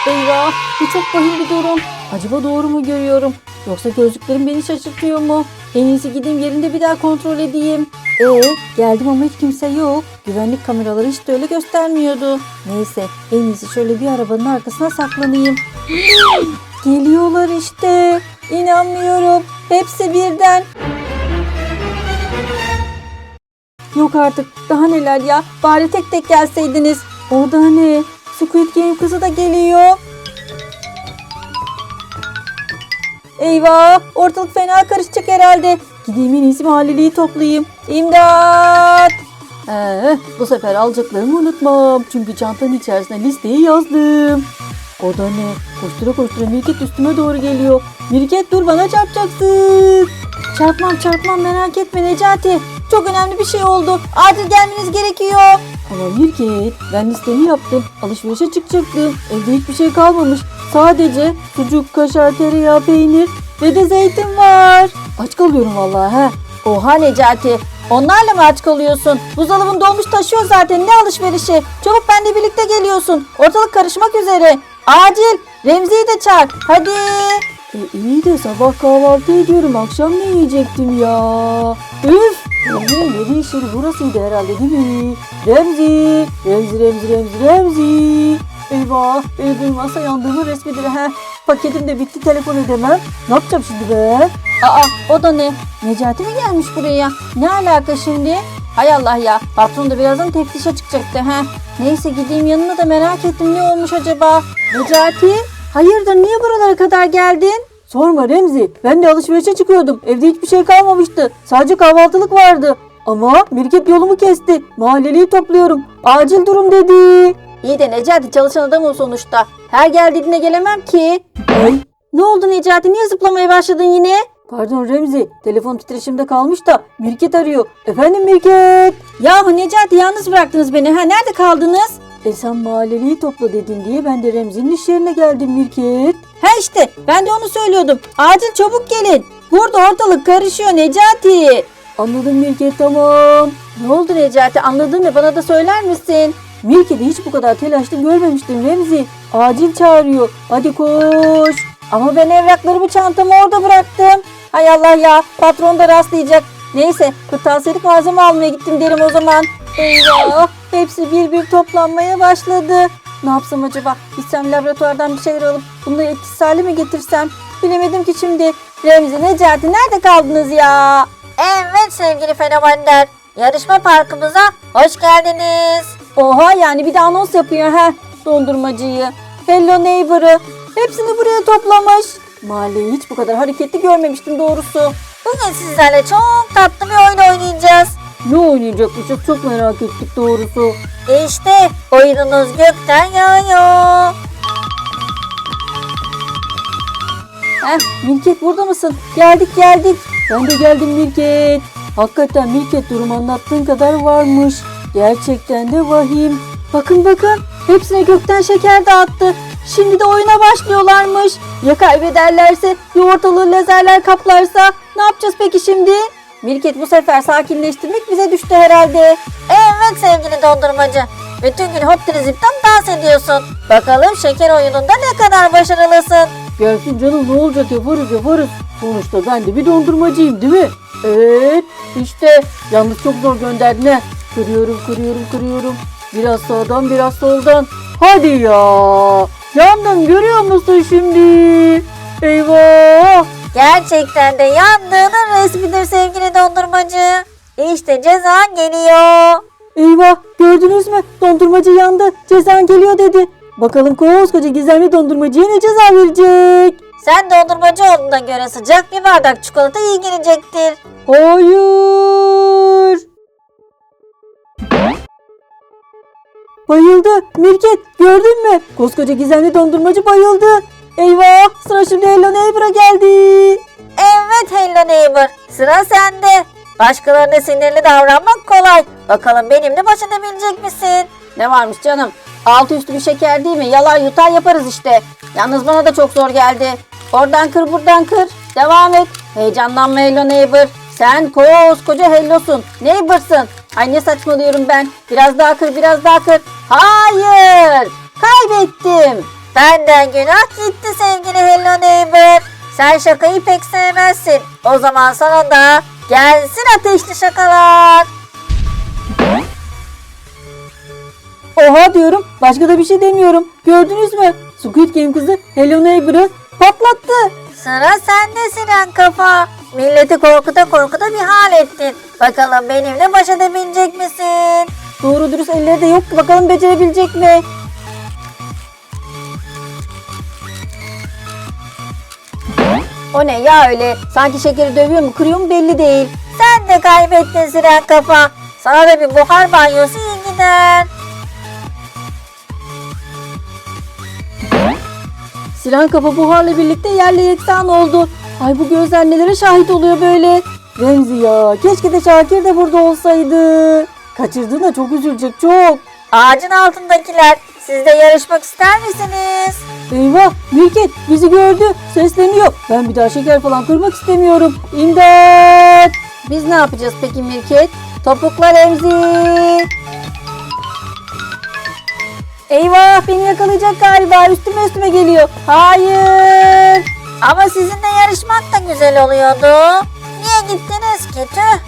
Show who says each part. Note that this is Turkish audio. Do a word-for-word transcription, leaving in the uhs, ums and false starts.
Speaker 1: Eyvah, bu çok vahim bir durum. Acaba doğru mu görüyorum? Yoksa gözlüklerim beni şaşırtıyor mu? En iyisi gideyim yerinde bir daha kontrol edeyim. Ee, geldim ama hiç kimse yok. Güvenlik kameraları hiç de öyle göstermiyordu. Neyse, en iyisi şöyle bir arabanın arkasına saklanayım. Geliyorlar işte. İnanmıyorum. Hepsi birden. Yok artık. Daha neler ya. Bari tek tek gelseydiniz. O da ne? Squid Game kızı da geliyor. Eyvah! Ortalık fena karışacak herhalde. Gideyim en iyisi mahalleliyi toplayayım. İmdat! Ee, bu sefer alacaklarımı unutmam. Çünkü çantanın içerisine listeyi yazdım. O da ne? Koştura koştura Mirket üstüme doğru geliyor. Mirket dur, bana çarpacaksın. Çarpmam çarpmam, merak etme Necati. Çok önemli bir şey oldu. Acil gelmeniz gerekiyor. Ama Mirket, ben listemi yaptım. Alışverişe çıkacaktım. Evde hiçbir şey kalmamış. Sadece sucuk, kaşar, tereyağı, peynir ve de zeytin var. Aç kalıyorum vallahi he. Oha Necati. Onlarla mı aç kalıyorsun? Buzdolabın dolmuş taşıyor zaten. Ne alışverişi? Çabuk benimle birlikte geliyorsun. Ortalık karışmak üzere. Acil. Remzi'yi de çağır. Hadi. E, iyi de sabah kahvaltı ediyorum. Akşam ne yiyecektim ya? Üf. Remzi'nin yeri iş yeri burasıydı herhalde değil mi? Remzi. Remzi, Remzi, Remzi, Remzi. Eyvah. Beni duymazsa yandığımın resmidir. Heh. Paketim de bitti. Telefon edemem. Ne yapacağım şimdi be? Aa, o da ne? Necati mi gelmiş buraya? Ne alaka şimdi? Hay Allah ya. Patron da birazdan teftişe çıkacaktı. Heh. Neyse gideyim yanına da merak ettim. Ne olmuş acaba? Necati? Hayırdır, niye buralara kadar geldin? Sorma Remzi. Ben de alışverişe çıkıyordum. Evde hiçbir şey kalmamıştı. Sadece kahvaltılık vardı. Ama Mirket yolumu kesti. Mahalleliyi topluyorum. Acil durum dedi. İyi de Necati çalışan adam o sonuçta. Her geldiğinde gelemem ki. Ay. Ne oldu Necati? Niye zıplamaya başladın yine? Pardon Remzi. Telefon titreşimde kalmış da Mirket arıyor. Efendim Mirket? Yahu Necati, yalnız bıraktınız beni. Ha, nerede kaldınız? E sen mahalleliyi topla dedin diye ben de Remzi'nin iş yerine geldim Mirket. Ha işte ben de onu söylüyordum. Acil çabuk gelin. Burada ortalık karışıyor Necati. Anladım Mirket, tamam. Ne oldu Necati? Anladın mı? Bana da söyler misin? Mirket'i hiç bu kadar telaşlı görmemiştim Remzi. Acil çağırıyor. Hadi koş. Ama ben evraklarımı çantamı orada bıraktım. Hay Allah ya. Patron da rastlayacak. Neyse, kırtasiyelik malzeme almaya gittim derim o zaman. Eyvah. Hepsi bir bir toplanmaya başladı. Ne yapsam acaba? Gitsem laboratuvardan bir şeyler alıp bunları etkisiz hale mi getirsem? Bilemedim ki şimdi. Remzi, Necati, nerede kaldınız ya?
Speaker 2: Evet sevgili fenomenler. Yarışma parkımıza hoş geldiniz.
Speaker 1: Oha, yani bir de anons yapıyor he. Dondurmacıyı, Hello Neighbor'ı. Hepsini buraya toplamış. Mahalleyi hiç bu kadar hareketli görmemiştim doğrusu.
Speaker 2: Bugün sizlerle çok tatlı bir oyun oynayacağız.
Speaker 1: Ne oynayacakmışız, çok merak ettik doğrusu.
Speaker 2: İşte oyununuz gökten yağıyor.
Speaker 1: Heh, Mirket burada mısın? Geldik geldik. Ben de geldim Mirket. Hakikaten Mirket, durum anlattığın kadar varmış. Gerçekten de vahim. Bakın bakın, hepsine gökten şeker dağıttı. Şimdi de oyuna başlıyorlarmış. Ya kaybederlerse, ya ortalığı lazerler kaplarsa? Ne yapacağız peki şimdi? Mirket, bu sefer sakinleştirmek bize düştü herhalde.
Speaker 2: Evet sevgili dondurmacı. Bütün gün hop zipten dans ediyorsun. Bakalım şeker oyununda ne kadar başarılısın.
Speaker 1: Gelsin canım, ne olacak, yaparız yaparız. Sonuçta ben de bir dondurmacıyım değil mi? Evet işte, yalnız çok zor gönderdin he. Kırıyorum kırıyorum kırıyorum. Biraz sağdan biraz soldan. Hadi ya. Yandım, görüyor musun şimdi? Eyvah.
Speaker 2: Gerçekten de yandığının resmidir sevgili dondurmacı. İşte cezan geliyor.
Speaker 1: Eyvah, gördünüz mü? Dondurmacı yandı. Cezan geliyor dedi. Bakalım koskoca gizemli dondurmacıya ne ceza verecek?
Speaker 2: Sen dondurmacı olduğuna göre sıcak bir bardak çikolata iyi gelecektir.
Speaker 1: Hayır. Bayıldı. Mirket, gördün mü? Koskoca gizemli dondurmacı bayıldı. Eyvah, sıra şimdi Hello Neighbor'a geldi.
Speaker 2: Evet Hello Neighbor, sıra sende. Başkalarına sinirli davranmak kolay. Bakalım benimle baş edebilecek misin?
Speaker 1: Ne varmış canım? Altı üstü bir şeker değil mi? Yalar yutar yaparız işte. Yalnız bana da çok zor geldi. Oradan kır, buradan kır. Devam et. Heyecanlanma Hello Neighbor. Sen koskoca Hello'sun. Neighbor'sın. Ay ne saçmalıyorum ben. Biraz daha kır, biraz daha kır. Hayır. Kaybettim.
Speaker 2: Benden günah gitti sevgili Hello Neighbor. Sen şakayı pek sevmezsin. O zaman sana da gelsin ateşli şakalar.
Speaker 1: Oha diyorum. Başka da bir şey demiyorum. Gördünüz mü? Squid Game kızı Hello Neighbor'ı patlattı.
Speaker 2: Sıra sende Siren Kafa. Milleti korkuta korkuta bir hal ettin. Bakalım benimle baş edebilecek misin?
Speaker 1: Doğru dürüst elleri de yok ki, bakalım becerebilecek mi? O ne ya öyle? Sanki şekeri dövüyor mu kırıyor mu belli değil.
Speaker 2: Sen de kaybettin Siren Kafa. Sana da bir buhar banyosu iyi gider.
Speaker 1: Siren kafa buharla birlikte yerle yeksan oldu. Ay bu gözler nelere şahit oluyor böyle. Remzi ya, keşke de Şakir de burada olsaydı. Kaçırdığına çok üzülecek, çok.
Speaker 2: Ağacın altındakiler, siz de yarışmak ister misiniz?
Speaker 1: Eyvah, Mirket bizi gördü, sesleniyor. Ben bir daha şeker falan kırmak istemiyorum. İmdat! Biz ne yapacağız peki Mirket? Topukla Remzi. Eyvah, beni yakalayacak galiba, üstüme üstüme geliyor. Hayır.
Speaker 2: Ama sizinle yarışmak da güzel oluyordu. Niye gittiniz ki tüh?